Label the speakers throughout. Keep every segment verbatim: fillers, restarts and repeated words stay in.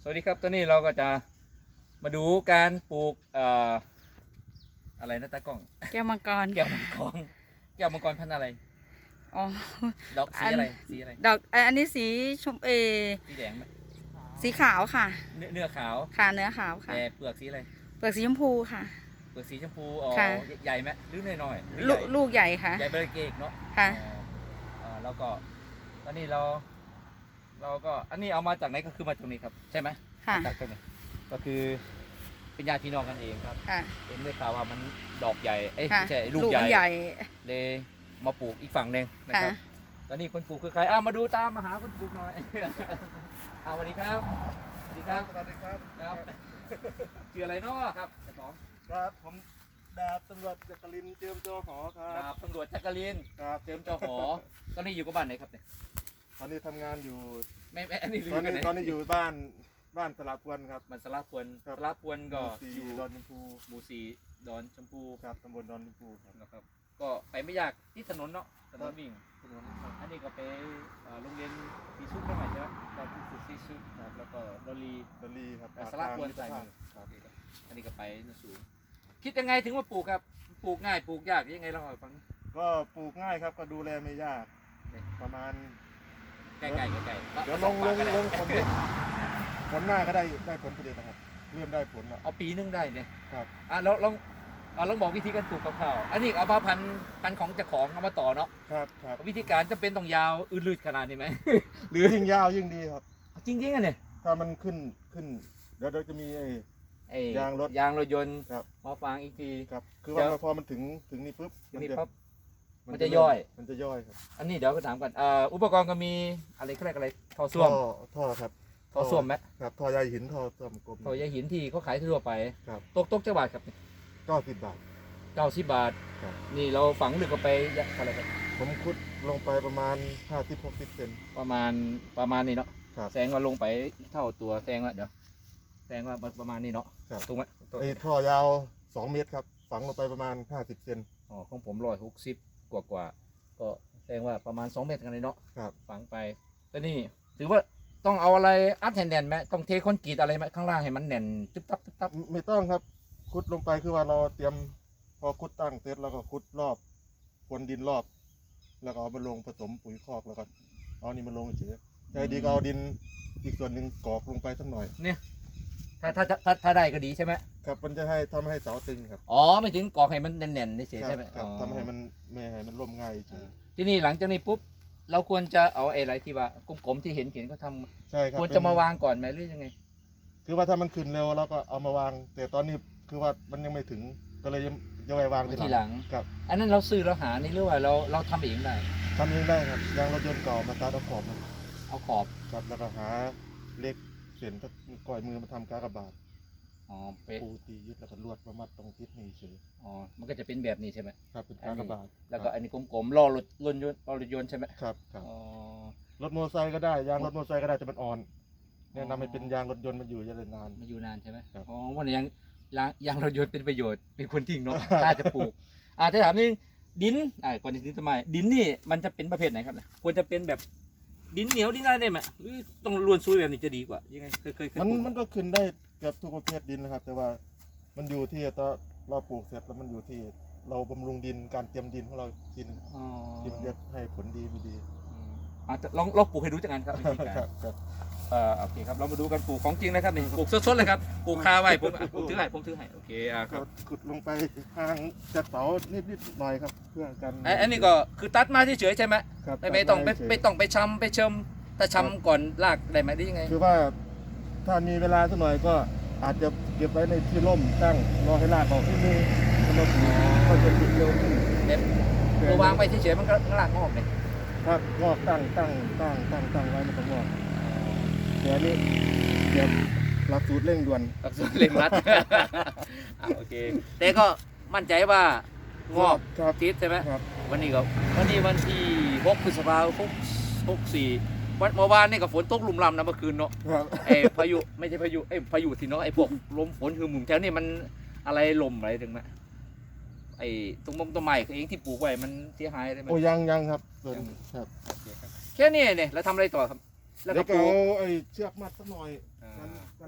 Speaker 1: วัสดีครับตอนนี้เราก็จะมาดูการปลูกเอ่ออะไรนะตากล้อง
Speaker 2: แก้วมังกร
Speaker 1: แก้วมังกรแก้วมังกรพันธุ์อะไร
Speaker 2: อ๋อ
Speaker 1: ดอกสีอะไรสีอะไร
Speaker 2: ดอกอันนี้สีชมเอ
Speaker 1: สีแดงไหม
Speaker 2: สีขาวค่ะ
Speaker 1: เนื้อเนื้อขาว
Speaker 2: ค่ะเนื้อขาวค่ะ
Speaker 1: แต่เปลือกสีอะไร
Speaker 2: เปลือกสีชมพูค่ะ
Speaker 1: เปลือกสีชมพูอ๋อใหญ่ไหมหรือน้อย
Speaker 2: ๆลูกลูกใหญ่ค่ะ
Speaker 1: ใหญ่เบอร์เกกเนาะ
Speaker 2: ค่ะ
Speaker 1: อ๋อแล้วก็ตอนนี้เราเราก็อันนี้เอามาจากไหนก็คือมาตรงนี้ครับใช่ไหม
Speaker 2: ค่ะ
Speaker 1: จากตรงนี้ก็คือเป็นญาติพี่น้องกันเองครับ
Speaker 2: ค่ะ
Speaker 1: เอ็นได้ข่าวว่ามันดอกใหญ่เอ้ย
Speaker 2: ค่ะ
Speaker 1: ไม่ใช่ลูก
Speaker 2: ลูก
Speaker 1: ใหญ่
Speaker 2: ใหญ่
Speaker 1: เลยมาปลูกอีกฝั่งหนึ่งนะครับ
Speaker 2: ค่ะ
Speaker 1: ตอนนี้คนปลูกคือใครอ้าวมาดูตามมาหาคนปลูกหน่อย อ้าวสวัสดีครับสวัสดีครับ
Speaker 3: สวัสดีครับ
Speaker 1: ครับชื่ออะไรเนาะครับเจ้าของ
Speaker 3: ครับผมดาบตำรวจจักรินทร์เจิมโจหอครั
Speaker 1: ดา
Speaker 3: บบ
Speaker 1: ตำรวจจักรินทร์
Speaker 3: ครับ
Speaker 1: เจิมเจ้าหอตอนนี้อยู่กับบ้านไหนครับเนี่ย
Speaker 3: ตอนนี้ทำงานอยู่
Speaker 1: ไม่ไม่อันนี้
Speaker 3: ตอนนี้
Speaker 1: ไห
Speaker 3: ตอนนี้อยู่บ้านบ้านสลับวนครับ
Speaker 1: มันสลับพวน
Speaker 3: ครับ
Speaker 1: สลับพวนก็
Speaker 3: สี่
Speaker 1: อยู่
Speaker 3: ดอนชมพู
Speaker 1: หมู่สี่ดอนชมพู
Speaker 3: ครับตำบลดอนชมพูครับ
Speaker 1: นะครับก็ไปไม่ยากที่ถนนเนาะถนนวิ่ง
Speaker 3: ถนนครับ
Speaker 1: อันนี้ก็ไปเอ่อโรงเรียนซีซุปได้ไหมใช่ไหมตอนที่สุดซีซุปครับแล้วก็ดอลลี
Speaker 3: ดอลลีครับ
Speaker 1: แต่สลับวนใส่มือ
Speaker 3: ครับ
Speaker 1: อันนี้ก็ไปนสูงคิดยังไงถึงว่าปลูกครับปลูกง่ายปลูกยากยังไงเราเอาฟัง
Speaker 3: ก็ปลูกง่ายครับก็ดูแลไม่ยากประมาณ
Speaker 1: ใกล้ๆใกล้ๆ
Speaker 3: เดี๋ยวลงลงลงผลผลหน้าก็ได้ได้ผลผลิตนะครับเริ่มได้ผลแล้ว
Speaker 1: เอาปีนึงได้เนี่ย
Speaker 3: ครับ
Speaker 1: อ่ะแล้วลองอ่ะลองบอกวิธีการปลูกคร่าวๆอันนี้เอามาพันธุ์พันธุ์ของเจ้าของเอามาต่อเนาะ
Speaker 3: ครับครับ
Speaker 1: วิธีการจะเป็นต้องยาวอืดลืดขนาดนี้ไหม หรือ
Speaker 3: ยิ่งยาวยิ่งดีครับ
Speaker 1: จริงๆอ่ะเนี่ย
Speaker 3: ถ้ามันขึ้นขึ้นเดี๋ยวเดี๋ยวจะมีไอ้
Speaker 1: ไอ้
Speaker 3: ยางรถ
Speaker 1: ยางรถยนต์
Speaker 3: ครับ
Speaker 1: มาฟางอีกที
Speaker 3: ครับคือ
Speaker 1: เดี๋
Speaker 3: ว่า
Speaker 1: ยว
Speaker 3: พอมันถึงถึงนี่ปุ๊บ
Speaker 1: ทีนี้
Speaker 3: จะ
Speaker 1: ปั๊บ มันจะย่อย
Speaker 3: มันจะย่อยครับ
Speaker 1: อันนี้เดี๋ยวไปถามก่อนเอ่ออุปกรณ์ก็มีอะไรเขาเรียกอะไรท่อส้วม
Speaker 3: ท่อท่อครับ
Speaker 1: ท่อส้วมไหม
Speaker 3: ครับท่อใยหินท่อส้วมกลม
Speaker 1: ท่อใยหินที่เขาขายทั่วไป
Speaker 3: ครับ
Speaker 1: ตกตกจังหวัดครับ
Speaker 3: เก้าสิบบาท
Speaker 1: เก้าสิบบาท
Speaker 3: ครับ
Speaker 1: นี่เราฝังลึกก็ไปอะไรครับ
Speaker 3: ผมขุดลงไปประมาณห้าสิบหกสิบเซน
Speaker 1: ประมาณประมาณนี้เนาะ
Speaker 3: ครับ
Speaker 1: แสงว่าลงไปเท่าตัวแสงว่าเดี๋ยวแสงว่าประมาณนี้เนาะ
Speaker 3: ครับ
Speaker 1: ถูกไหม
Speaker 3: ไอ้ท่อยาวสองเมตรครับฝังลงไปประมาณห้าสิบเซน
Speaker 1: อ๋อของผมร้อยหกสิบกว่ากว่าๆก็แสดงว่าประมาณสองเมตรกันเลยเนาะ
Speaker 3: ครับ
Speaker 1: ฝังไปแต่นี่ถือว่าต้องเอาอะไรอัดแน่นๆไหมต้องเทคอนกรีตอะไรไหมข้างล่างให้มันแน่นตึ๊บตับตึ๊บตับ
Speaker 3: ไม่ต้องครับขุดลงไปคือว่าเราเตรียมพอขุดตั้งเสร็จแล้วก็ขุดรอบพรวนดินรอบ แล้วก็เอามาลงผสมปุ๋ยคอกแล้วก็เอานี่มาลงเฉยใจดีก็เอาดินอีกส่วนหนึ่งกรอกลงไปสักหน่อย
Speaker 1: เนี่ยถ้าถ้าถ้าถ้าได้ก็ดีใช่ไหม
Speaker 3: ครับมันจะให้ทำให้เสาตึงครับ
Speaker 1: อ๋อไม่ถึงกรอกให้มันแน่นๆเฉยๆ
Speaker 3: ครั
Speaker 1: ใช่ไหม
Speaker 3: ครับ
Speaker 1: อ๋อ
Speaker 3: ทำให้มันไม่ให้มันล่มง่ายเฉย
Speaker 1: ที่นี่หลังจากนี้ปุ๊บเราควรจะเอาไอ้อะไรที่ว่ากลมๆที่เห็นเห็นเขาท
Speaker 3: ใช่ครั
Speaker 1: ำ
Speaker 3: บ
Speaker 1: ควรจะมาวางก่อนไหมหรือยังไง
Speaker 3: คือว่าถ้ามันขึ้นเร็วเราก็เอามาวาง แต่ตอนนี้คือว่ามันยังไม่ถึงก็เลยยังยังไม่วาง
Speaker 1: ไว้ทีหลัง
Speaker 3: ครับ
Speaker 1: อันนั้นเราซื้อเราหานี่หรือว่าเราเราทำเองได้
Speaker 3: ทำเองได้ครับยางรถยนต์เก่ามาตัดเอาขอบมัน
Speaker 1: เอาขอบ
Speaker 3: ครับแล้วก็หาเหล็กเส้นถ้าก่อยมือมาทำกากบาท
Speaker 1: อ๋อเป๊ะ
Speaker 3: ปูตียึดแล้วก็ลวดมามัดตรงทิศนี้เฉย
Speaker 1: อ๋อมันก็จะเป็นแบบนี้ใช่ไหม
Speaker 3: ครับเป็นกากบาท
Speaker 1: แล้วก็อันนี้กลมๆล้อรถรถยนต์ล้อรถยนต์ใช่ไหม
Speaker 3: ครับครับ
Speaker 1: อ๋อ
Speaker 3: รถมอเตอร์ไซค์ก็ได้ยางรถมอเตอร์ไซค์ก็ได้แต่มันอ่อนแนะนำให้เป็นยางรถยนต์มันอยู่จะได้นาน
Speaker 1: มาอยู่นานใช่ไหม
Speaker 3: ครับ
Speaker 1: อ๋อวันนี้ยังยางยางรถยนต์เป็นประโยชน์เป็นคนทิ้งเนาะ
Speaker 3: ครับ
Speaker 1: ถ้าจะปลูกอ่าถ้าถามนี่ดินอ่าก่อนจะถึงทำไมดินนี่มันจะเป็นประเภทไหนครับเนี่ยควรจะเป็นแบบดินเหนียวดินอะไรได้ไหมหรือต้องล้วนซุยแบบนี้จะดีกว่ายังไงเคยเคยเคย
Speaker 3: มัน
Speaker 1: ปลูก
Speaker 3: มันก็ขึ้นได้เกือบทุกประเภทดินนะครับ แต่ว่ามันอยู่ที่ตอนเราปลูกเสร็จแล้วมันอยู่ที่เราบำรุงดินการเตรียมดินของเราทีนึง
Speaker 1: อ๋อ
Speaker 3: ที่มันจะให้ผลดีไม่ดี
Speaker 1: อืมอ่าลองลองปลูกให้ดูจังกันครับวิธีการ
Speaker 3: ครับครับ
Speaker 1: เอ่อโอเคครับเรามาดูกันปลูกของจริงนะครับนี่ปลูกสดๆเลยครับปลูกคาไว้ผมอ่ะผมถือให้ผมถือให้โอเคอ่าค
Speaker 3: ก็
Speaker 1: รับ
Speaker 3: ขุดลงไปห่างจากเสานิดนิดหน่อยครับ เพื่อกัน
Speaker 1: ไอ้อันนี้ก็คือตัดมาเฉยๆใช่ไหม
Speaker 3: ครับ
Speaker 1: ไม่ไม่ต้องไม่
Speaker 3: เฉยๆ
Speaker 1: ไม่ต้องไปชำไปเชิมถ้าชำก่อนลากได้ไหมได้ยังไง
Speaker 3: คือว่าถ้ามีเวลาสักหน่อยก็อาจจะเก็บไว้ในที่ร่มตั้งรอให้รากออกที่มือแล้วก็จะติดเร็วขึ้น
Speaker 1: เด็ดตัววางไปเฉยๆมันก็ลากงอกเลย
Speaker 3: ครับงอกตั้งตั้งตั้งตั้งตั้งไว้มันก็งอกแต่อันนี้เดี๋ยวหลักสูตรเร่งด่วน
Speaker 1: อักษรเร่งรัด อ่ะโอเคแต่ก็มั่นใจว่างอก
Speaker 3: ครับ
Speaker 1: ทิศใช่ไหม
Speaker 3: ครับ
Speaker 1: วันนี้ก็วันนี้วันที่หกพฤษภาคมหกสี่วันเมื่อวานนี่ก็ฝนตกลุ่มลำนะเมื่อคืนเนาะ
Speaker 3: ครับ
Speaker 1: ไอ้พายุไม่ใช่พายุไอ้พายุที่เนาะไอ้พวกลมฝนคือหมุนแถวนี้มันอะไรลมอะไรถึงไหมไอ้ตรงมงต้นไม้เองที่ปลูกไว้มันเสียหายอะไรไหม
Speaker 3: โอ้ยังยังครับส่วน
Speaker 1: ยัง
Speaker 3: ครับ
Speaker 1: แค่นี้เนี่ยแล้วทำอะไรต่อครับ แล้ว
Speaker 3: แล้
Speaker 1: ก็
Speaker 3: ว
Speaker 1: ป
Speaker 3: ก็
Speaker 1: ลูก
Speaker 3: เอาไอ้เชือกมัดสักหน่อย
Speaker 1: อ่า
Speaker 3: กันกัน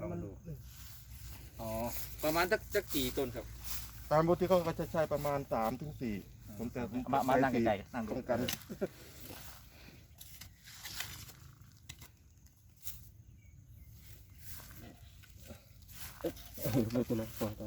Speaker 1: อ๋อประมาณสักสักกี่ต้นครับ
Speaker 3: ตามปกติเขาก็จะใช้ประมาณสามถึงสี่ผมแต่ผม
Speaker 1: มามา
Speaker 3: ใช้
Speaker 1: นั่ง
Speaker 3: สี่
Speaker 1: ไกลๆนั่ง
Speaker 3: ตรงกัน ไม่เป็นไรต่อต่อ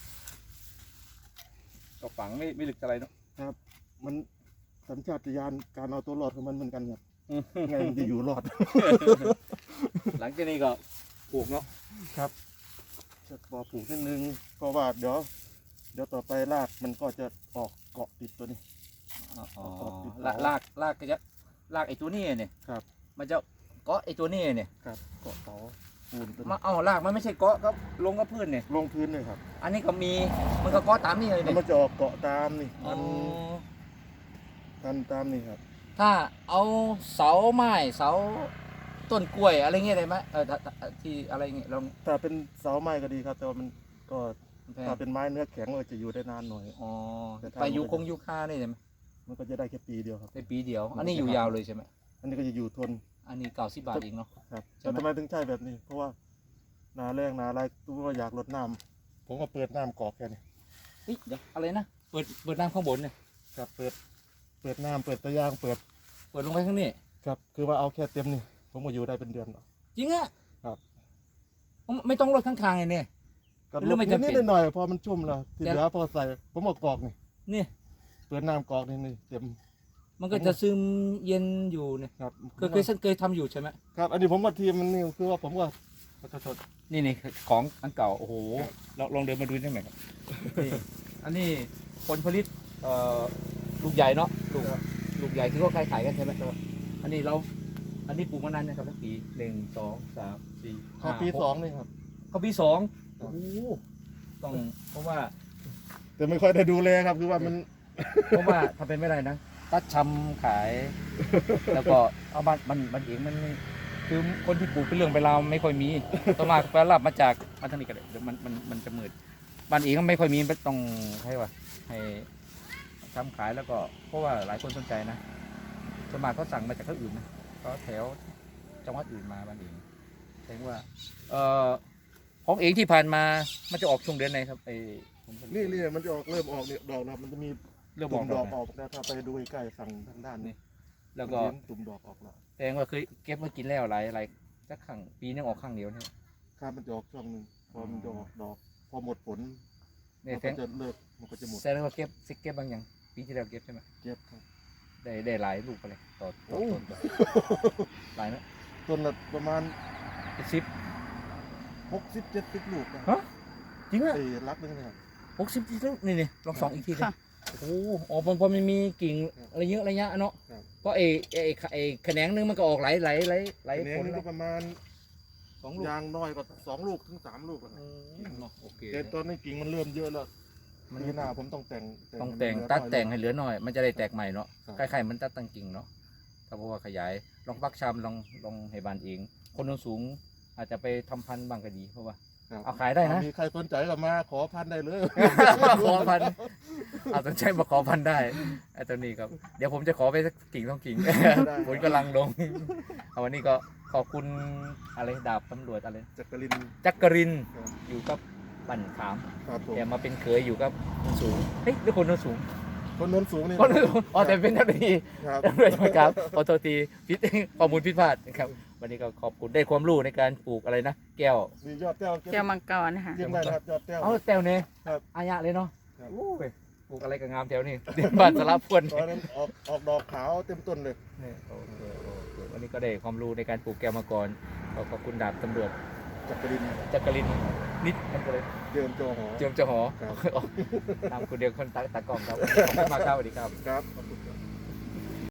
Speaker 1: ก็ฝังไม่ไม่ลึกอะไรเนาะ
Speaker 3: ครับมันสัญชาตญาณการเอาตัวรอดของมันเหมือนกันครับไงมันจะอยู่รอด
Speaker 1: หลังจากนี้ก็ปลูกเนาะ
Speaker 3: ครับจะพอปลูกนิดนึงเพราะว่าเดี๋ยวเดี๋ยวต่อไปรากมันก็จะออกเกาะติดตัวนี้
Speaker 1: อ๋อลากลากลากก็จะลากไอ้ตัวนี้เนี่ย
Speaker 3: ครับ
Speaker 1: มันจะเกาะไอ้ตัวนี้เนี่ย
Speaker 3: ครับเกาะเสาปูนตัว
Speaker 1: มา
Speaker 3: นี้
Speaker 1: เอาลากมันไม่ใช่เกาะก็ลงกับพื้นเนี่ย
Speaker 3: ลงพื้นเลยครับ
Speaker 1: อันนี้ก็มีมันก็เกาะตามนี่เลย
Speaker 3: แล้ว
Speaker 1: เนี่ย
Speaker 3: มันจะออกเกาะตามนี่
Speaker 1: อ๋
Speaker 3: พั
Speaker 1: อน
Speaker 3: พันตามนี่ครับ
Speaker 1: ถ้าเอาเสาไม้เสาต้นกล้วยอะไรเงี้ยได้ไหมเออถ้าถ้าที่อะไรเงี้ยลอง
Speaker 3: ถ้าเป็นเสาไม้ก็ดีครับ แต่ว่ามันก็
Speaker 1: แพง
Speaker 3: ถ้าเป็นไม้เนื้อแข็งมันจะอยู่ได้นานหน่อย
Speaker 1: อ๋อ
Speaker 3: แต่ถ้า
Speaker 1: ไปยูคงยูคานี่ใช่ไหม
Speaker 3: มันก็จะได้แค่ปีเดียวครับ
Speaker 1: ได้ปีเดียว อันนี้อยู่ยาวเลยใช่ไหม
Speaker 3: อันนี้ก็จะอยู่ทน
Speaker 1: อันนี้เก้าสิบบาทเองเนาะ
Speaker 3: ครับ
Speaker 1: ใช่ไหม
Speaker 3: แต่ทำไมถึงใช่แบบนี้ เพราะว่านาแรงนาอะไรตัวอยากลดน้ำผมก็เปิดน้ำกรอกแค่นี้
Speaker 1: เฮ้ยเดี๋ยวอะไรนะเปิดเปิดน้ำข้างบนเนี่ย
Speaker 3: ครับเปิดเปิดน้ำเปิดตะยางเปิด
Speaker 1: เปิดลงไปข้างนี้
Speaker 3: ครับคือว่าเอาแค่เต็มนี่ผมก็อยู่ได้เป็นเดือนหรอก
Speaker 1: จริงอะ
Speaker 3: ครับ
Speaker 1: ไม่ต้องลดข้างๆเลยเนี่ย
Speaker 3: ก็
Speaker 1: หรือไม่จำเป็น
Speaker 3: นิดๆหน่อยๆพอมันชุ่มแล้วที่
Speaker 1: เดี๋ยว
Speaker 3: เหลือพอใส่ผมเอากรอกนี่
Speaker 1: นี่
Speaker 3: เปิดน้ำกรอกนี่นี่เต็ม
Speaker 1: มันก็จะซึมเย็นอยู่เนี่ย
Speaker 3: ครับ
Speaker 1: เคยเคยเคยทำอยู่ใช่ไหม
Speaker 3: ครับ อันนี้ผมว่าทีมมันนี่คือว่าผมว่าขอโทษ
Speaker 1: นี่นี่ของอันเก่าโอ้โหลองลองเดินมาดูได้ไหมครับนี่อันนี้ผลผลิตเอ่อลูกใหญ่เนาะลูกลูกใหญ่ที่เขาขายขายกันใช่ไหมครับอันนี้เราอันนี้ปลูกมานานนะครับสักปีหนึ่งสองสามสี่
Speaker 3: ข้าวปีสองนี่ครับ
Speaker 1: เขาปีสอง
Speaker 3: ครับ
Speaker 1: โอ้โหต้องเพราะว่า
Speaker 3: แต่ไม่ค่อยได้ดูแลครับ คือว่ามัน
Speaker 1: เพราะว่าทำเป็นไม่ได้นะตัดชำขาย แล้วก็เอาบ้านมันมันเองมันไม่คือคนที่ปลูกเป็นเรื่องเป็นราวไม่ค่อยมีต้องมาไปรับมาจากมาทางนี้กันเลยเดี๋ยวมันมันมันจะมืดบ้านเองก็ไม่ค่อยมีต้องให้ว่าให้ทำขายแล้วก็เพราะว่าหลายคนสนใจนะส่วนมากเขาสั่งมาจากที่อื่นนะก็แถวจังหวัดอื่นมาบ้านเองแสดงว่าเอ่อของเองที่ผ่านมามันจะออกช่วงเดือนไหนครับไอ้ผมผลิต
Speaker 3: นี่นี่มันจะออกเริ่มออกเนี่ยดอกแล้วมันจะมี
Speaker 1: เริ่มอ
Speaker 3: ตุ่
Speaker 1: อก
Speaker 3: ม
Speaker 1: ด
Speaker 3: ด
Speaker 1: อ
Speaker 3: อก ก
Speaker 1: นะ
Speaker 3: ออกแล้วถ้าไปดูใกล้ๆฝั่งทางด้านนี้
Speaker 1: แล้วก็
Speaker 3: มันเห็นตุ่มดอกออกแล้ว
Speaker 1: แสดงว่าเคยเก็บมากินแล้วหลายหลายสักครั้งปีนึงออกครั้งเดียวเนี่ย
Speaker 3: ครับมันจะออกช่วงหนึ่งพอมันจะออกดอก พอหมดผล
Speaker 1: เนี่ย
Speaker 3: มัน
Speaker 1: แส
Speaker 3: ก็
Speaker 1: ดง
Speaker 3: จะเลิกมันก็จะหมด
Speaker 1: แสดงว่าเก็บซิกเก็บบางอย่างปีที่แล้วเก็บใช่ไหม
Speaker 3: เก็บครับ
Speaker 1: ได้ได้หลายลูกไปเลยต่อต่อ
Speaker 3: โอ้
Speaker 1: ต้นต่อหลายไหม
Speaker 3: ต้นละประมาณ
Speaker 1: เป็นสิบ
Speaker 3: หกสิบเจ็ดสิบลูกนะ
Speaker 1: ฮะจริงอ่ะ
Speaker 3: ไอ้รักนึงนะครับ
Speaker 1: หกสิบลูกนี่นี่ลองสองอีกทีดิ
Speaker 2: ค่ะ
Speaker 1: โอ้โหอ๋อพอพอมันมีกิ่ง
Speaker 3: ครับ
Speaker 1: อะไรเยอะอะไรเงี้ยเนาะ
Speaker 3: ครับ
Speaker 1: ก็ไอ้ไอ้ไอ้แขนงนึงมันก็ออกหลายหลายหลายหลาย
Speaker 3: แขน
Speaker 1: ผ
Speaker 3: ง
Speaker 1: ล
Speaker 3: นี่
Speaker 1: แล้
Speaker 3: ก็
Speaker 1: ว
Speaker 3: ประมาณ
Speaker 1: สองลูก
Speaker 3: ยางน้อยก็สองลูกถึงสามลูกแล้ว
Speaker 1: อืมเนาะโอเค
Speaker 3: แต่ตอนนี้กิ่งมันเริ่มเยอะแล้ว
Speaker 1: มัน
Speaker 3: ปีหน้าผมต้องแต่ง
Speaker 1: ต้องแต่ง
Speaker 3: ให้มัน
Speaker 1: ตัด
Speaker 3: เหลือ
Speaker 1: แต่ง
Speaker 3: น้
Speaker 1: ให้
Speaker 3: อย
Speaker 1: เหลือหน่อย มันจะได้แตกใหม่เนาะ
Speaker 3: ครับ
Speaker 1: คล้ายๆมันตัดตั้งกิ่งเนาะถ้าบอกว่าขยายลองปักชำลองลองให้บานเอง คนสูงๆอาจจะไปทำพันธุ์บางก็ดีเพราะว่า
Speaker 3: ครับ
Speaker 1: เอาขายได้นะ
Speaker 3: มีใครสนใจก็มาขอพันธุ์ได้เลย
Speaker 1: ขอพันธุ์เอาสนใจมาขอพันธุ์ได้ไอ้ตัวนี้ครับเดี๋ยวผมจะขอไปสักกิ่งสองกิ่ง
Speaker 3: ได้
Speaker 1: ผลกำลังลงเอาวันนี้ก็ขอบคุณอะไรดาบตำรวจอะไร
Speaker 3: จักริน
Speaker 1: จักรินทร์
Speaker 3: ครับ
Speaker 1: อยู่กับบั่นขาม
Speaker 3: ครับผม
Speaker 1: แกมาเป็นเคยอยู่กับคนสูงเฮ้ยหรือคนโน้นสูง
Speaker 3: คนโน้นสูงนี่
Speaker 1: คนโน้นสูงอ๋อแต่เป็นเจ้าหน้าที่
Speaker 3: ครับ
Speaker 1: ตำรวจครับขอโทษทีพิษข้อมูลผิดพลาดนะครับ วันนี้ก็ขอบคุณได้ความรู้ในการปลูกอะไรนะ แก้ว
Speaker 3: มียอดแก้ว
Speaker 2: แก้วมังกรค่ะ
Speaker 3: เยี่ยมได้นะครับยอดแก้ว
Speaker 1: เอาแต้วเนี่ย
Speaker 3: ครับ
Speaker 1: อายะเลยเนาะ
Speaker 3: ครับ
Speaker 1: โอ้ยปลูกอะไรก็งามแถวนี้เดือนบานสลับพวน
Speaker 3: ตอนนั้นออกออกดอกขาวเต็มต้นเลย
Speaker 1: นี่โอเคโอเควันนี้ก็ได้ความรู้ในการปลูกแก้วมังกรขอขอบคุณดาบตำรวจ
Speaker 3: จักริน
Speaker 1: จักรินทร์นิดมันก็เลย
Speaker 3: เจิมโจหอ
Speaker 1: เจียมเจ้าหอ
Speaker 3: ครับ
Speaker 1: ตามคุณเดียวคนตาตากล้องครับขอบคุณมากครับสวัสดีครับ
Speaker 3: ครับขอบคุณ